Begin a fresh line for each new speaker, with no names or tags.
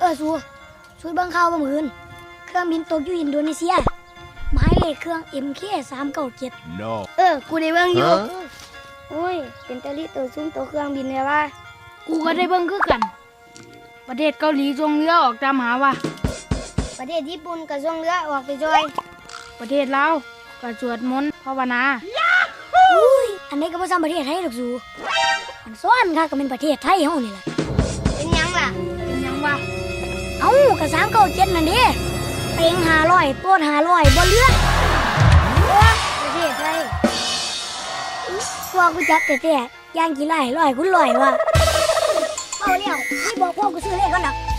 ช่วยเบิ่งข่าวบ่มื้ออื่นเครื่องบินตกอยู่อินโดนีเซียหมายเลขเครื่อง MK397
No
กูได้เบิ่งอยู่โอ้ยเป็นตะลิตัวซุ่มตัวเครื่องบินเลยว่า
กูก็ได้เบิ่งคือกัน ประเทศเกาหลีส่งเรือออกตามหาว่า
ประเทศญี่ปุ่นก็ส่งเรือออกไปจอย
ประเทศลาวก็สวดมนต์ภาวนา
อุ้ยอันนี้ก็บ่ซ้ำประเทศไทยดอกสูอันซ้อนค่ะก็เป็นประเทศไทยเฮานี่ล่ะเป็นหยังล่ะ
เป็นหยังวะ
เอ้าก็397นั่นเด้เต็ง500โปด500บ่เหลือประเทศไทยพวกกูจักแต่ย่างกี่ไร่100 คูณ 100ว่ะเอาแล้วนี่บอกพวกกูซื้อเลขก่อนดอก